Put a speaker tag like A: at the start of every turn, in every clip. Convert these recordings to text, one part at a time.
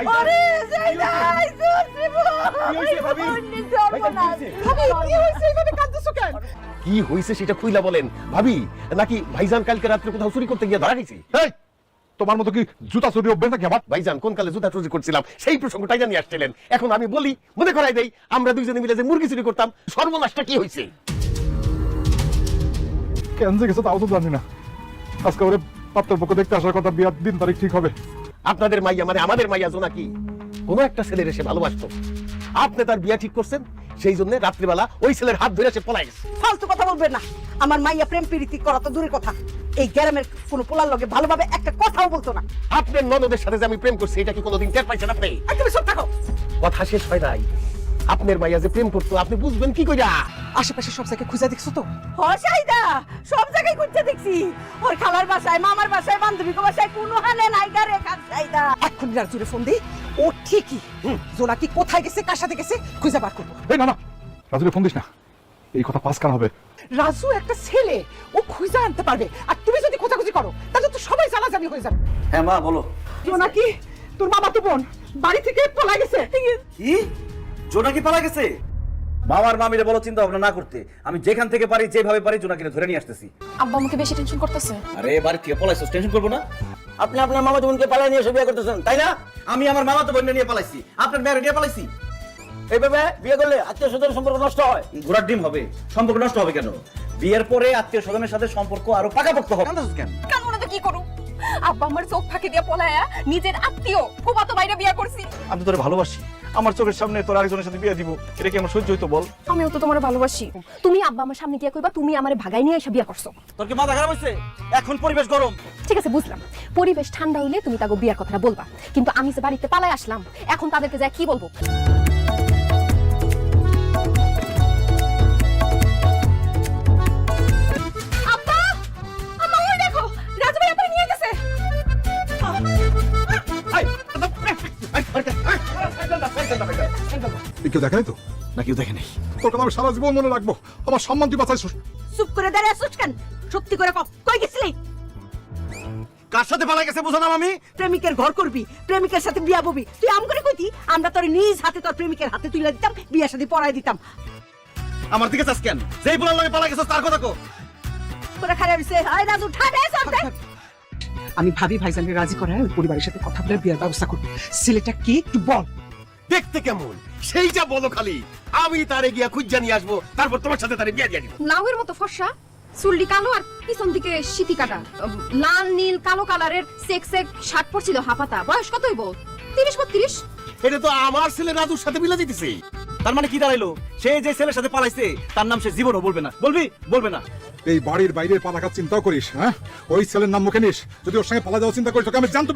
A: আরে যাই
B: কি হয়েছে সেটা খুইলা বলেন ভাবি, নাকি ভাইজান কালকে রাত্রে কোথাও চুরি করতে গিয়ে ধরা গেছে?
C: তোমার মতো কি জুতা চুরি অভ্যাস নাকি আমার?
B: ভাইজান কোন কালে জুতা চুরি করছিলাম সেই প্রসঙ্গটাই জানিয়ে আসছিলেন। এখন আমি বলি, মনে করাই দেই, আমরা দুইজনে মিলে যে মুরগি চুরি করতাম, সর্বনাশটা কি হয়েছে?
C: কেন যে গেছে তাও তো জানি না। আজকে ওরে পাত্রপক্ষ দেখতে আসার কথা, বিয়ার দিন তারিখ ঠিক হবে।
B: আপনাদের মাইয়া মানে আমাদের মাইয়া জোনাকি কোন একটা ছেলের এসে ভালোবাসতো, আপনি তার বিয়া ঠিক করছেন, সেই জন্য রাত্রিবেলা ওই ছেলের হাত ধরে সে পলাই গেছে।
A: ফালতু কথা বলবেন না। আমার মাইয়া প্রেম প্রীতি করা তো দূরের কথা, এই গ্রামের কোন পোলার লগে ভালোভাবে একটা কথাও বলতো না।
B: আপনার ননদের সাথে যে আমি প্রেম করছি এটা কি কোনোদিন টের পাইছেন আপনি?
A: তুমি সব থাকো,
B: কথা শেষ হয় নাই। আপনার মাইয়া যে প্রেম করতো আপনি বুঝবেন কি কইরা?
A: আশেপাশে সব জায়গায় খুঁজে দেখছো তো? হসাইদা সব জায়গায় খুঁজে দেখছি, ওর খালার বাসায়, মামার বাসায়, বান্ধবীর বাসায়, কোনো হানে নাই গারে খাইদা। এখন রাজুরে ফোন দিই, ও ঠিকই জোনাকি কোথায় গেছে, কার সাথে গেছে খুঁজে বার করবো।
C: এই না না, রাজুরে ফোন দিস না, এই কথা পাস কান হবে।
A: রাজু একটা ছেলে, ও খুঁজে আনতে পারবে, আর তুমি যদি খোঁজাখুঁজি করো তাহলে তো সবাই জানাজানি হয়ে যাবে।
D: হ্যাঁ মা বলো।
A: জোনাকি তোর মামা তো বোন বাড়ি থেকে পলাই গেছে।
D: কি জোনাকি পালা গেছে? মামার মামিরে বলো চিন্তা ভাবনা না করতে, আমি যেখান থেকে পারি যেভাবে পারি জোনাকিরে ধরে নিয়ে আসতেছি।
E: আব্বা আমাকে বেশি টেনশন করতেছে।
D: আরে বাড়ি থেকে পলাইছো, টেনশন করবো না? আপনি আপনার মামা বোনকে পালাই নিয়ে এসে বিয়ে করতেছেন তাই না? আমি আমার মামা তো বোনকে নিয়ে পালাইছি, আপনার মেয়ের নিয়ে পালাইছি। এইভাবে বিয়ে করলে আত্মীয় স্বজনের সম্পর্ক নষ্ট হয়, ঘোড়ার ডিম হবে। সম্পর্ক নষ্ট হবে কেন? বিয়ের পরে আত্মীয় স্বজনের সাথে সম্পর্ক আরো পাকাপোক্ত হবে। কেন
E: কেন না তো কি করু? আব্বা আমার চোখ ফাঁকি দিয়া পলায়া নিজের আত্মীয় ফুফাতো ভাইরে বিয়ে করছি।
D: আমি তোরে ভালোবাসি, আমার চোখের সামনে তোর আরেকজনের সাথে বিয়ে দিব, এটা কি আমার সহ্য হইতো বল?
E: আমিও তো তোমার ভালোবাসি। তুমি আব্বা আমার সামনে গিয়া কইবা তুমি আমারে ভাগাই নিয়ে এসে বিয়ে করছো।
D: তোর কি মাথা খারাপ হইছে? এখন পরিবেশ গরম।
E: ঠিক আছে বুঝলাম, পরিবেশ ঠান্ডা হইলে তুমি তাকে বিয়ের কথাটা বলবা, কিন্তু আমি যে বাড়িতে পালাই আসলাম, এখন তাদেরকে যা কি বলবো? আব্বা, আম্মা ওই দেখো, রাজু ভাই আপনারে নিয়ে গেছে।
C: কেউ দেখে নাই তো?
D: না কেউ দেখে নাই।
C: তোর কথা আমি সারা জীবন মনে রাখবো, আমার সম্মান তুই বাঁচাইছিস।
A: চুপ করে দাঁড়িয়ে আছিস কেন? সত্যি করে কই গেছিলি?
D: কার সাথে পালা গেছে বুঝো না আমি?
A: প্রেমিকের ঘর করবি, প্রেমিকের সাথে বিয়া ববি, তুই আম করে কইতি আমরা তোর নিজ হাতে তোর প্রেমিকের হাতে তুলে দিতাম, বিয়ার সাথে পড়াই দিতাম।
D: আমার দিকে চাস কেন? যেই বলার লাগে পালা গেছে তার কথা কো।
A: করে খাড়া হইছে, আয় রাজু ঠাডে সরতে। আমি ভাবি ভাইজানকে রাজি করায় ওই পরিবারের সাথে কথা বলে বিয়ার ব্যবস্থা করব। ছেলেটা কি একটু বল।
B: দেখতে কেমন সেইটা বলো খালি, আমি তারে গিয়া খুঁজা নিয়ে আসবো, তারপর তোমার সাথে তারে বিয়া দিয়ে দিব।
E: লাউয়ের মতো ফর্সা, চুলটি কালো আর পিছন দিকে সিটি কাটা, লাল নীল কালো কালারের সেক সেক শার্ট পরছিল হাফাতা। বয়স কত হইব? 30-32।
B: এটা তো আমার ছেলে রাজুর সাথে মিলা দিতেছে।
D: তার মানে কি দাঁড়াইলো? সে যে ছেলের সাথে পালাইছে তার নাম সে জীবনও বলবে না। বলবি? বলবে না।
C: এই বাড়ির বাইরে পা রাখার চিন্তাও করিস? হ্যাঁ, ওই ছেলের নাম মুখে নিস, যদি ওর সঙ্গে পালা যাওয়ার চিন্তা করিস তোকে আমি জানতো।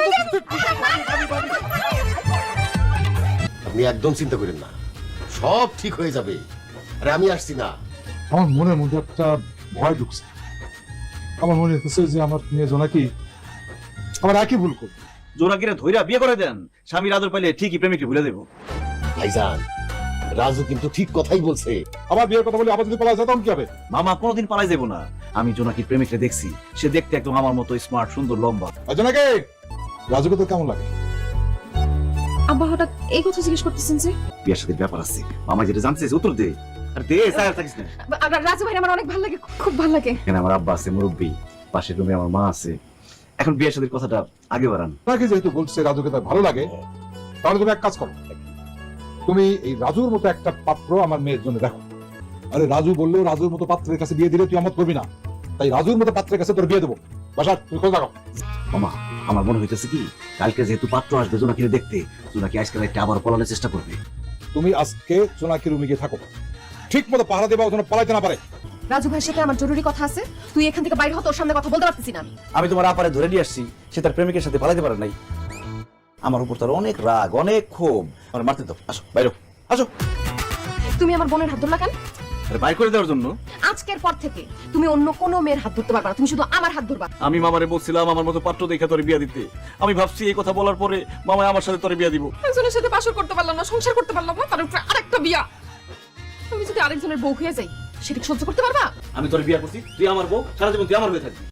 B: আপনি একদম চিন্তা করেন না, সব ঠিক হয়ে যাবে। আরে আমি আসছি না।
C: আমার মনের মধ্যে একটা ভয় ঢুকছে। আমার মনে হচ্ছে যে আমার মেয়ে জোনাকি আমার একই ভুল করবে।
D: জোনাকিরে ধইরা বিয়ে করে দেন, স্বামীর আদর পাইলে ঠিকই প্রেমিককে ভুলে দেবো।
B: ভাইজান রাজু কিন্তু ঠিক কথাই বলছে।
C: আবার বিয়ের কথা বলে আবার যদি পালা যায় তখন কি হবে?
D: মামা কোনোদিন পালাই যাবো না। আমি জোনাকির প্রেমিককে দেখছি, সে দেখতে একদম আমার মতো স্মার্ট, সুন্দর, লম্বা।
C: জোনাকি, রাজুকে তো কেমন লাগে?
E: আব্বা হঠাৎ এই কথা জিজ্ঞেস করতেছেন যে?
D: বিয়ের সাথে ব্যাপার আছে, মামা যেটা জানছে উত্তর দে। আর দে, স্যার থাকিস না।
E: রাজু ভাই আমার অনেক ভালো লাগে, খুব ভালো লাগে।
D: এখানে আমার আব্বা আছে, মুরব্বী, পাশের রুমে আমার মা আছে। এখন বিয়ের সাথে কথাটা আগে বাড়ান।
C: তাকে যেহেতু বলছে রাজুকে তার ভালো লাগে, তাহলে তুমি এক কাজ করো, তুমি এই রাজুর মতো একটা পাত্র আমার মেয়ের জন্য দেখো। আরে রাজু বললেও রাজুর মতো পাত্রের কাছে বিয়ে দিলে তুই আমত করবি না, তাই রাজুর মতো পাত্রের কাছে তোর বিয়ে দেবো। বাসা তুমি খোঁজ রাখো।
D: মামা আমার মনে হইতেছে কি, কালকে যেহেতু পাত্র আসবে জোনাকিরে দেখতে, জোনাকি আজকাল একটা আবার পলানোর চেষ্টা করবে।
C: তুমি আজকে জোনাকি রুমে গিয়ে থাকো, ঠিক মতো পাহারা দেবা, ওখানে পালাইতে না পারে।
E: রাজু ভাইয়ের সাথে আমার জরুরি কথা আছে, তুই এখান থেকে বাইরে হ, তোর সামনে কথা বলতে পারতেছি না।
D: আমি তোমার আপারে ধরে নিয়ে আসছি, সে তার প্রেমিকের সাথে পালাইতে পারে নাই। আমার উপর তার অনেক রাগ, অনেক ক্ষোভ। আমার মারতে দাও, আসো বাইরে আসো।
E: তুমি আমার বোনের হাত ধরলা কেন?
D: আরে বাইর করে দেওয়ার জন্য।
E: আজকের পর থেকে তুমি অন্য কোনো মেয়ের হাত ধরতে পারবা না, তুমি শুধু আমার হাত ধরবা।
D: আমি মামারে বলছিলাম আমার মতো পাত্র দেখে তোরে বিয়া দিতে। আমি ভাবছি এই কথা বলার পরে মামা আমার সাথে তোরে বিয়া দিব।
E: একজনের সাথে বাসর করতে পারলাম না, সংসার করতে পারলাম না, তার উপরে আরেকটা বিয়া। তুমি যদি আরেকজনের বউ হয়ে যাই, সেটা কি সহ্য করতে পারবা?
D: আমি তোরে বিয়া করছি, তুই আমার বউ, সারা জীবন তুই আমার হয়ে থাকবি।